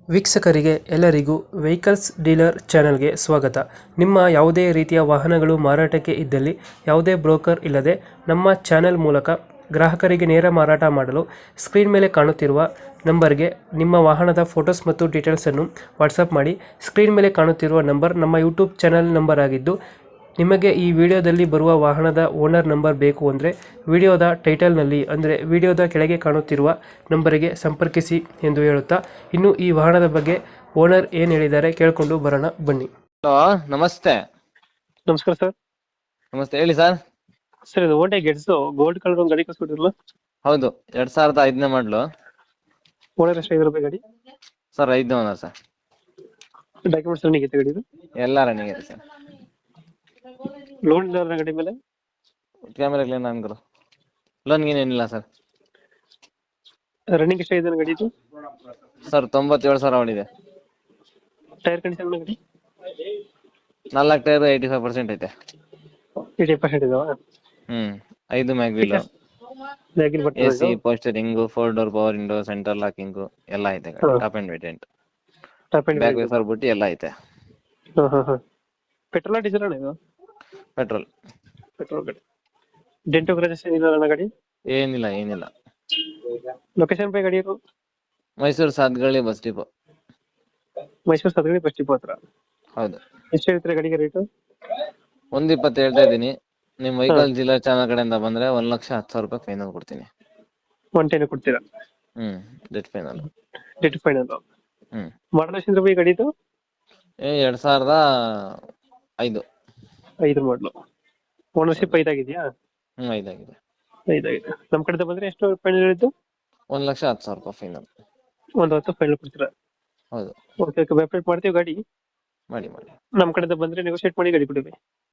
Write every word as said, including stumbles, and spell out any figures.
ವೀಕ್ಷಕರಿಗೆ ಎಲ್ಲರಿಗೂ vehicles dealer ಚಾನೆಲ್ಗೆ ಸ್ವಾಗತ. ನಿಮ್ಮ ಯಾವುದೇ ರೀತಿಯ ವಾಹನಗಳು ಮಾರಾಟಕ್ಕೆ ಇದ್ದಲ್ಲಿ ಯಾವುದೇ ಬ್ರೋಕರ್ ಇಲ್ಲದೆ ನಮ್ಮ ಚಾನೆಲ್ ಮೂಲಕ ಗ್ರಾಹಕರಿಗೆ ನೇರ ಮಾರಾಟ ಮಾಡಲು ಸ್ಕ್ರೀನ್ ಮೇಲೆ ಕಾಣುತ್ತಿರುವ ನಂಬರ್ಗೆ ನಿಮ್ಮ ವಾಹನದ ಫೋಟೋಸ್ ಮತ್ತು ಡೀಟೇಲ್ಸನ್ನು ವಾಟ್ಸಪ್ ಮಾಡಿ. ಸ್ಕ್ರೀನ್ ಮೇಲೆ ಕಾಣುತ್ತಿರುವ ನಂಬರ್ ನಮ್ಮ ಯೂಟ್ಯೂಬ್ ಚಾನೆಲ್ ನಂಬರ್ ಆಗಿದ್ದು, ನಿಮಗೆ ಈ ವಿಡಿಯೋದಲ್ಲಿ ಬರುವ ವಾಹನದ ಓನರ್ ನಂಬರ್ ಬೇಕು ಅಂದರೆ ವಿಡಿಯೋದ ಟೈಟಲ್ನಲ್ಲಿ ಅಂದರೆ ವಿಡಿಯೋದ ಕೆಳಗೆ ಕಾಣುತ್ತಿರುವ ನಂಬರಿಗೆ ಸಂಪರ್ಕಿಸಿ ಎಂದು ಹೇಳುತ್ತಾ, ಇನ್ನು ಈ ವಾಹನದ ಬಗ್ಗೆ ಓನರ್ ಏನು ಹೇಳಿದ್ದಾರೆ ಕೇಳಿಕೊಂಡು ಬರೋಣ ಬನ್ನಿ. ಹಲೋ, ನಮಸ್ತೆ. ನಮಸ್ಕಾರ ಸರ್. ನಮಸ್ತೆ, ಹೇಳಿ ಸರ್. ಸರ್, ಇದು ಓಟೆ ಗೆಟ್ಸ್ ಗೋಲ್ಡ್ ಕಲರ್ ಒಂದು ಗಾಡಿ ಕಳ್ಸ್ಕೊಟ್ಟಿರಲ್ಲ? ಹೌದು, ಎರಡ್ ಸಾವಿರದ ಐದನೇ ಮಾಡ್ಲು. ಓನರ್ ಎಷ್ಟು ಐದು ರೂಪಾಯಿ ಗಾಡಿ? ಸರ್ ಐದನೇ ಓನರ್ ಸರ್. ಡಾಕ್ಯುಮೆಂಟ್ಸ್ ರನ್ನಿಂಗ್ ಐತೆ ಗಾಡಿದು? ಎಲ್ಲ ರನ್ನಿಂಗ್ ಇದೆ ಸರ್. ಲೋನ್ ಇಲ್ಲ ಗಾಡಿ ಮೇಲೆ? ಕ್ಯಾಮೆರಾ ಕ್ಲೀನ್ ಅನ್ಕರು. ಲೋನ್ ಏನಿಲ್ಲ ಸರ್. ರನ್ನಿಂಗ್ ಎಷ್ಟಾಗಿದೆ ಗಾಡಿದು? ಸರ್ ತೊಂಬತ್ತೇಳು ಸಾವಿರ ಹೊಡಿದೆ. ಟೈರ್ ಕಂಡೀಷನ್ ಗಾಡಿ? ನಾಲ್ಕು ಟೈರ್ ಏಯ್ಟಿ ಫೈವ್ ಪರ್ಸೆಂಟ್ ಐತೆ. ಏಯ್ಟಿ ಪರ್ಸೆಂಟ್ ಇದಾವ? ಹ್ಮ್ ಐದು mag wheel, A C, power steering, four door power window, centre locking ಎಲ್ಲ ಐತೆ. Top and variant, back wiper ಬುಟ್ಟಿ ಎಲ್ಲ ಐತೆ. ಪೆಟ್ರೋಲ್ ಡೀಸೆಲ್ ಅಣ್ಣ ಇದು? ಪೆಟ್ರೋಲ್. ಪೆಟ್ರೋಲ್ ಗಾಡಿ. ಡೆಂಟೋ ಗ್ರಾಜಸ್ ಏನಿಲ್ಲ ಅಣ್ಣ ಗಾಡಿ? ಏನಿಲ್ಲ ಏನಿಲ್ಲ. ಲೊಕೇಶನ್ ಪೈ ಗಾಡಿ ಇದು? Mysuru Sathagalli bus depot. Mysuru Sadagadi bus depot ಹತ್ರ? ಹೌದು. ಎಷ್ಟು ಹೇಳ್ತೀರಾ ಗಾಡಿಗೆ ರೇಟು? ಒಂದ್ ಇಪ್ಪತ್ತು ಹೇಳ್ತಾ ಇದ್ದೀನಿ. ನಿಮ್ ವೆಹಿಕಲ್ ಜಿಲ್ಲಾ ಚಾನಲ್ ಕಡೆಯಿಂದ ಬಂದ್ರೆ ಒಂದ್ ಲಕ್ಷ ಹತ್ತು ಸಾವಿರ ರೂಪಾಯಿ ಫೈನಲ್ ಕೊಡ್ತೀನಿ. ಒನ್ ಟೆನ್ ಕೊಡ್ತೀರಾ? ಹ್ಮ್ ಡೆಟ್ ಫೈನಲ್. Dead final. ಹ್ಮ್ ಮಾಡಲ್ ಎಷ್ಟು ರೂಪಾಯಿ ಗಾಡಿದು? ಏ ಎರಡ್ ಸಾವಿರದ ಐದು. ಐದು ಮಾಡಲು. ಓನರ್ಶಿಪ್ ಐದಾಗಿದೆಯಾ? ಹ್ಮ್ ಐದಾಗಿದೆ. ಐದಾಗಿದೆ. ನಮ್ ಕಡೆ ಬಂದ್ರೆ ಎಷ್ಟು ಫೈನಲ್ ಹೇಳಿದ್ದು? ಒಂದ್ ಲಕ್ಷ ಹತ್ತು ಸಾವಿರ ರೂಪಾಯಿ ಫೈನಲ್. ಒಂದು ಹತ್ತು ಫೈನಲ್ ಕೊಡ್ತೀರಾ? ಹೌದು. ಓಕೆ ಓಕೆ, ವೆಬ್ಸೈಟ್ ಮಾಡ್ತೀವಿ ಗಾಡಿ. ಮಾಡಿ ಮಾಡಿ. ನಮ್ ಕಡೆಯಿಂದ ಬಂದ್ರೆ ನೆಗೋಶಿಯೇಟ್ ಮಾಡಿ ಗಾಡಿ ಕೊಡಿ.